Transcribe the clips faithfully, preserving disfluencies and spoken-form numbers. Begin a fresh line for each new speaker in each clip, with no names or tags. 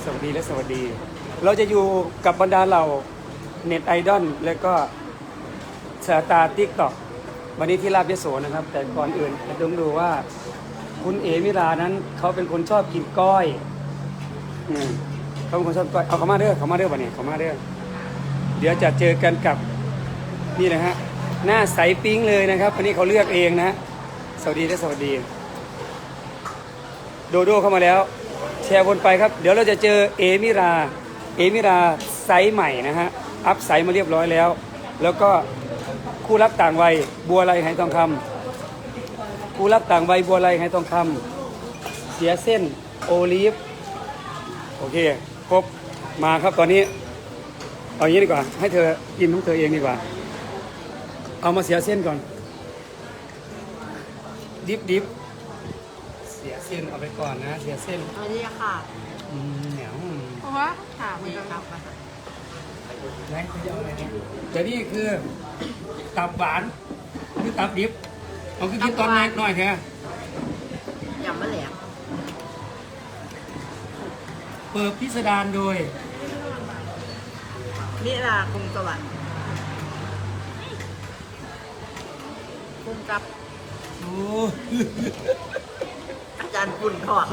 สวัสดีและสวัสดีเราจะอยู่กับบรรดาเหล่าเน็ตไอดอลและก็สตาร์ติ๊กต็อกวันนี้ที่ลาบยโสนะครับแต่ก่อนอื่นจะต้องดูว่าคุณเอมิรานั้นเขาเป็นคนชอบกินก้อยอืมเขาเป็นคนชอบก้อยเอาเขามาเด้อเขามาเด้อวันนี้เขามาเด้อเดี๋ยวจะเจอกันกับนี่นะฮะหน้าใสปิ๊งเลยนะครับวันนี้เขาเลือกเองนะสวัสดีและสวัสดีโดโดเข้ามาแล้วแชร์วนไปครับเดี๋ยวเราจะเจอเอมิราเอมิราไซส์ใหม่นะฮะอัพไซส์มาเรียบร้อยแล้วแล้วก็คู่รักต่างวัยบัวไลไหทองคำคู่รักต่างวัยบัวไลไหทองคำเสียเส้นโอลีฟโอเคครบมาครับตอนนี้เอาอย่างนี้ดีกว่าให้เธอกินของเธอเองดีกว่าเอามาเสียเส้นก่อนดิบดิบเสียเส้นเอาไปก่อนนะเสียเส้น
สวัสดีค่ะ
อืมเหนียว
เพราะว่าถามมันครับ
ไหนคุณจะเอาอะไรเนี่ยแต่นี่คือตับหวานคือตับดิบเอาคือกินตอนแรกหน่อยแค่
ยำมะแหลม
เปิดพิสดารโดย
นิราคงสวัสดิ์คุณกับ
โอ้
อาจารย์ปุ่นทอด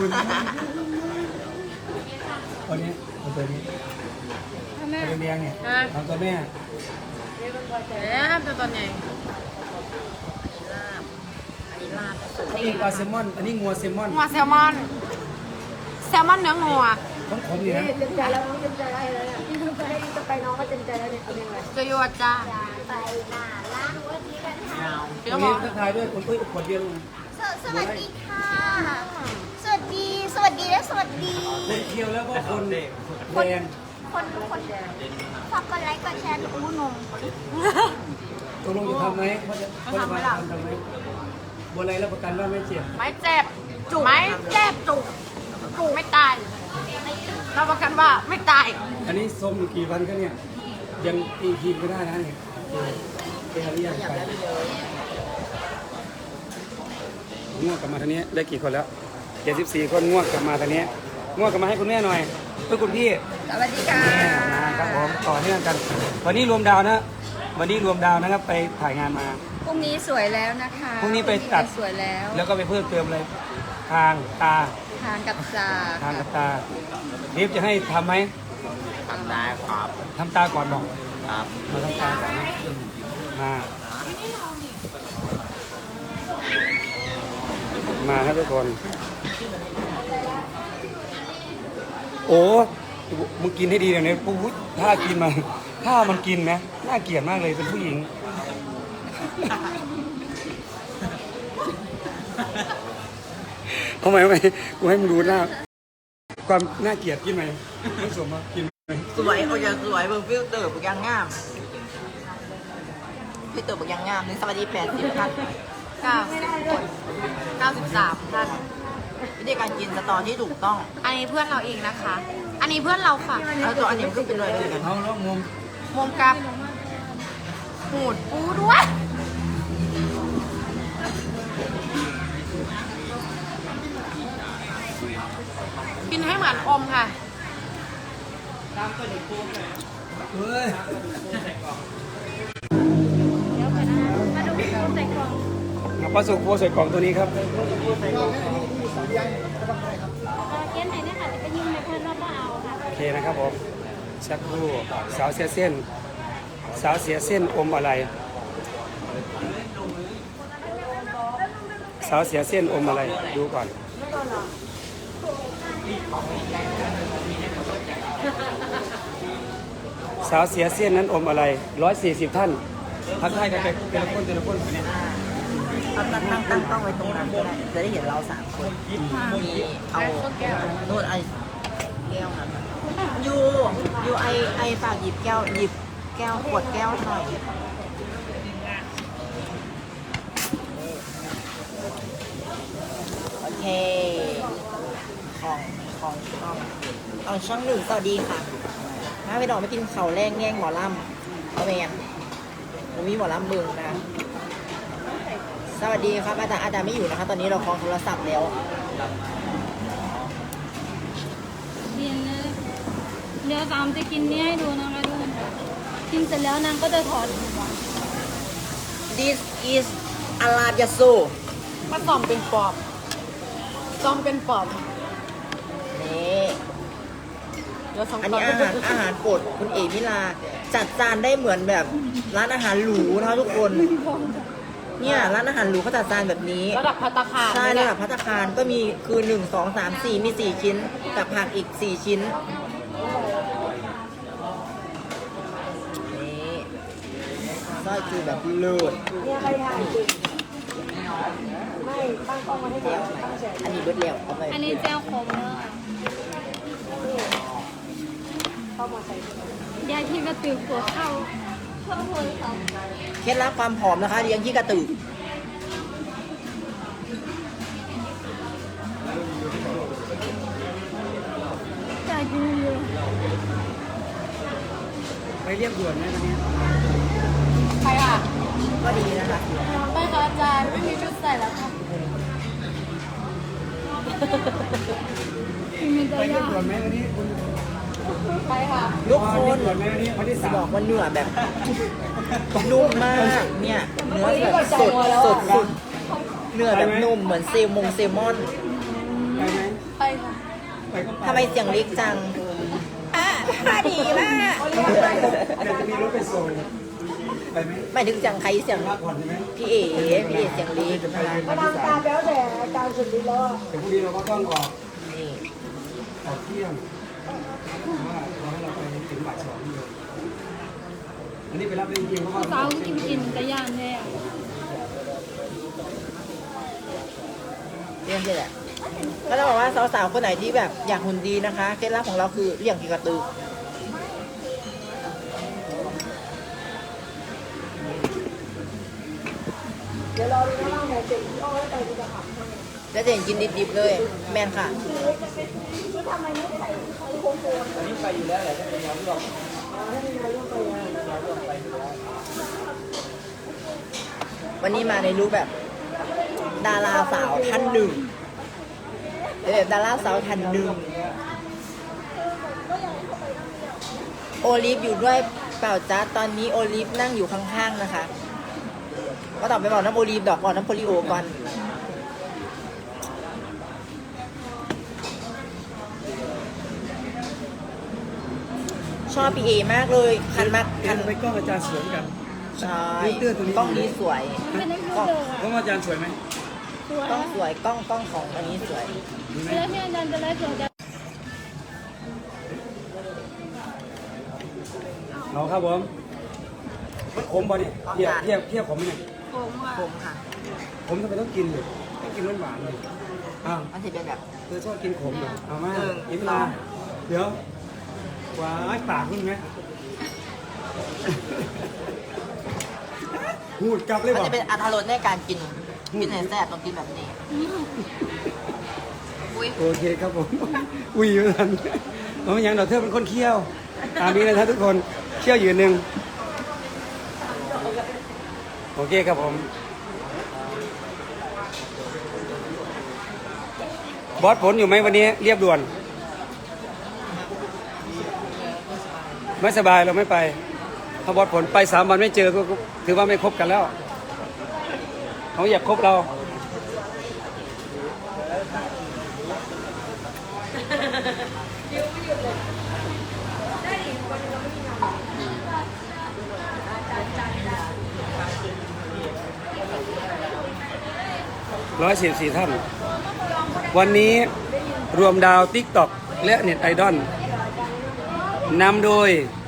คนนี้เอาตัวนี้เอาตัวเลี้ยงเนี่ยเอาตัวแม่
เอ๊ะตัวตอนใหญ่ลาบอันนี้ลาบสุด
อันนี้ปลาแซลมอนอันนี้งัวแซลมอน
งัวแซลมอน แซลมอนเนื้องัว
ของผมอยู่นะ
เต็มใจแล้วน้องเต็มใจแล้วเนี่ยที่จะไปจะไปน้องก็เต็มใจแล้วเนี่ยเอาเพลงอะไร
จะยัวจ้า
ไปหน้าร้านวันนี้กันค่ะ
เดี๋
ต
ย
ร
ว
ง
บอ
นี้
ก
ทักทายด้วยคนอุ้ยขวดเดียว
สวัสดีค่ะ สวัสดี สวัสดีและสวัสดี
คนเคียวแล้วก็คนแดง
คนคนฝากกดไลค์กดแชร์หนูอู้นม
ตกลงจะทำไหมเขาจะเขาจะมาทำทำไหมบัวไรรับประกันว่าไม่เจ็บ
ไม่เจ็บจุกไม่เจ็บจุกจุกไม่ตายรับประกันว่าไม่ตาย
อันนี้ส้มอยู่กี่วันก็เนี่ยยังตีทีมก็ได้นะเนี่ยเป็นอะไรยังไปง่วงกลับมาทางนี้ได้กี่คนแล้วเจ็ดสิบสี่คนง่วงกลับมาทางนี้ง่วงกลับมาให้คุณแม่หน่อยเพื่อคุณพี่
สวัสดีค่ะ
แม่มาครับผมต่อเนื่องกัน วันนี้รวมดาวนะ วันนี้รวมดาวนะครับไปถ่ายงานมา
พรุ่งนี้สวยแล้วนะคะ
พรุ่งนี้ไปตัด
สวยแล้ว
แล้วก็ไปเพิ่มเติมอะไรทางตา
ทานกับซา
ทางกับตารีบจะให้ทำไหม
ทำได้ครับ
ทำตาก่อนบอก
ครับ
มาทำตาก่อนนะมามาครับทุกคน โอ้มึงกินให้ดีเลยเนี่ยปุ๊บถ้ากินมาถ้ามันกินนะน่าเกลียดมากเลยเป็นผู้หญิงเอาไหมเอาไหมกูให้มึงดูหน้าความน่าเกลียดกินไหมไม่สมมากินไหม
สวยเขาจะสวยเบิ่งฟิลเตอร์ปกยังงามฟิลเตอร์ปกยังงามนี่สวัสดีแปดสิบท่านเก้าสิบคนเก้าสิบสามท่านวิธีการกินสตอที่ถูกต้อง
อันนี้เพื่อนเราเองนะคะ อันนี้เพื่อนเราค่ะ
แล้วตัวอันนี้มันก็เป็นเลยเลยกัน
เอาแล้วงง
มุมกับหูดปูด้วย กินให้เหมือนอมค่ะ
เฮ้ย
มาดูพี่โค้ใส่กล่อง
เอาปลาสุกโพใส่กล่องตัวนี้ครับ
เกณฑ์ไหนเนี่ยค่ะจะไปยืมในเพื่อนรอบก็เอาค่ะ
โอเคนะครับผมสักครู่สาวเสียเส้น สาวเสียเส้นอมอะไร สาวเสียเส้นอมอะไรดูก่อนสาวเสียเส้นนั้นอมอะไรร้อยสี่สิบท่านทักทายกันไปแต่ละคนแต่ละคนไปเนี่ย
ตั้งตั้งตั้งตั้งตั้งไว้ตรงนั้นก็ได้จะได้เห็นเราสามคนมีเอาโน่นไอแก้วนั้นยูยูไอไอฝากหยิบแก้วหยิบแก้วขวดแก้วหน่อยโอเคของของช่องเอาช่องหนึ่งสวัสดีค่ะมาไปดอกไม่กินเขาวแรงแง่งหมอลำเอาเองผมมีหมอลำเบิงนะ สวัสดีครับอาจารย์อาจารย์ไม่อยู่นะคะตอนนี้เราคล้องโทรศัพท์แล้ว
เรียนเลย
ยวสามจะกินนี่ให้ดูนะคะทุกคนกินเสร็จแล้วนางก็จะถอด
This is อาราบยาโซ
มาซ่อมเป็นปอบซ่อมเป็นปอบ
นี่
เดี๋ยวสอง
อัน
ปอ
นี้
บ
อาหารอาหารโปรดคุณเอมิลา จัดจานได้เหมือนแบบร้านอาหารหรูนะคะทุกคน เนี่ยร้านอาหารหรูเขาจัดจานแบบนี้
ระดับภัตตาคาร
ใช่ระดับภัตตาคารก็มีคือหนึ่งสองสามสี่มีสี่ชิ้นกับผักอีกสี่ชิ้นนี่ซอยคือแบบเลิศอันนี้เบิดแล้วเอาไป
อันนี้แจ้วขมเนอะยายที่กระตือหัวเข้าเข้าหัวเขา
เคล็ดลับความผอมนะคะเลี้ยงที่กระตือ
จ่ายกินเยอะ
ไปเรียบด่วนไหมวันนี้
ไปค่ะ
ก็ดีนะคะ
ไปค่ะอาจารย์ไม่มีชุดใส่แล้วค่ะมีแต่
ไปเรีย
ยา
บด่วนไหมวันนี้คุณ
ไปค่ะ
ทุกค
เรีย
น
บด่วนไหมวันนี้วันที่
จะ
สาม
บอกว่าเนื้อแบบนุ่มมากเนี่ยเนื้อแบบสดสดสุดเนื้อแบบนุ่มเหมือนเซลมงเซลมอน
ไปไหม
ไปค่ะ
ไปก็ไป
ทำไมเสียงเล็กจังอ่ะดีมาก
เดี๋ยวจะมีรถไปส่งไปไหม
หมายถึงเสียงใครเสียง
พักผ่อนใช่ไหม
พี่เอ๋พี่เอ๋เสียงเล็ก
จะไป
นะคะ
เรียนวันที่สามแต่พรุ่งนี้เราก็ต้องออก
นี่
ออกเที่ยงเพราะว่าเราให้เราไปถึงบ่ายสองเลยอันนี้ไปรับได้จริงๆเพราะว่า
สาวกินกินแต่ยานแน่
เรื่องนี้แหละก็จะบอกว่าสาวๆคนไหนที่แบบอยากหุ่นดีนะคะเคล็ดลับของเราคือเรื่องกีกระตือเดี๋ยวรอดูนะว่าแม่เจ๋งที่อ้อยไปจะขับแล้วจะเห็นกินดิบๆเลย แม่นค่ะอันนี้ไปอยู่แล้วแหละถ้าเป็นงานที่เราวันนี้มาในรูปแบบ ดาราสาวท่านหนึ่งแบบดาราสาวท่านหนึ่งโอลิฟอยู่ด้วยเปล่าจ้าตอนนี้โอลิฟนั่งอยู่ข้างๆนะคะก็ต่อไปบอกน้ำโอลิฟดอกก่อนน้ำโพลิโอก่อนชอบพี่เอมากเลยคันมาก
คั
คั
น
น
ไปกล้องอาจารย์สวยกัน
ใช่
เตื้อตัวนี้
กล้องนี้สวยกล้อง
กล้องอาจารย์สวยไหม
สวย
กล้องสวยกล้องกล้องของอันนี้สวย
ดีไหม
เวลาที่อาจารย์จะไลฟ์สดจะ
เอาครับผมมันขมป่ะเนี่ยเทียบเทียบเทียบขมเนี่ย
ผมอ่ะ
ผมค่ะ
ผมทำไมต้องกินเลยต้องกินหวานๆเลยอ้าว
มันจะเป็นแบบ
เธอชอบกินขมเหรอเอามา
หนึ่ง
อิมลาเดี๋ยวหวานปากมึงไหมหูดกลับเลย
มัน
บอก
จะเป็นอัตรสในการกินกินในแซ่บต้องกินแบบนี้ อุ้ย
โอเคครับผม อุ้ยอยู่ทันเพราะอย่างเราเธอเป็นคนเคี่ยวตามนี้เลยท่านทุกคนเคี่ยวยืนหนึ่งโอเคครับผมบอสผลอยู่ไหมวันนี้เรียบด่วน ไม่สบายเราไม่ไปถ้าบอสผลไปสามวันไม่เจอก็ถือว่าไม่คบกันแล้วเขาอยากคบเราร้อยสิบสี่ท่านวันนี้รวมดาวติ๊กต็อกและเน็ตไอดอลนำโดย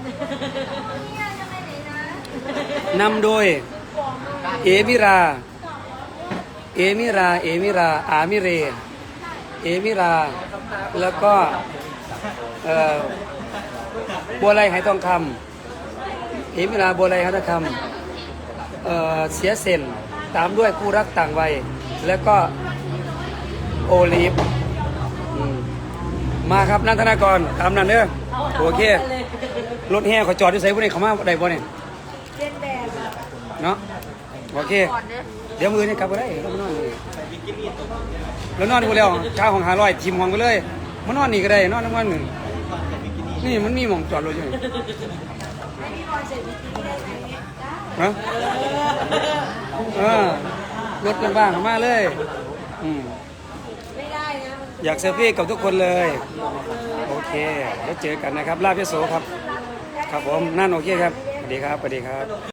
นำโดย เอมิรา เอมิรา เอมิรา อามิเร เอมิรา แล้วก็เอ่อบัวไลไหทองคำเอมิราบัวไลไหทองคำเอ่อเสียเซนตามด้วยคู่รักต่างวัยแล้วก็โอลิฟอืมมาครับนันทนากรตามนั้นเด้อโอเครถแห่เขาจอดอยู่ใส่พวกนี้เขามาได้บ่เนี่ยเนาะโอเค เดี๋ยวมือนี่กลับไปได้แล้วมานอนนี่แล้วนอนนี่กูแล้วข้าวของหาร้อยทีมของไปเลยมานอนนี่ก็ได้นอนทั้งวันหนึ่งนี่มันมีหม่องจอดรถอยู่นี่ฮะเออรถว่างๆเข้ามาเลยอืมอยากเซลฟี่กับทุกคนเลย โอเคแล้วเจอกันนะครับลาบยโสครับ ครับผมนั่นโอเคครับสวัสดีครับสวัสดีครับ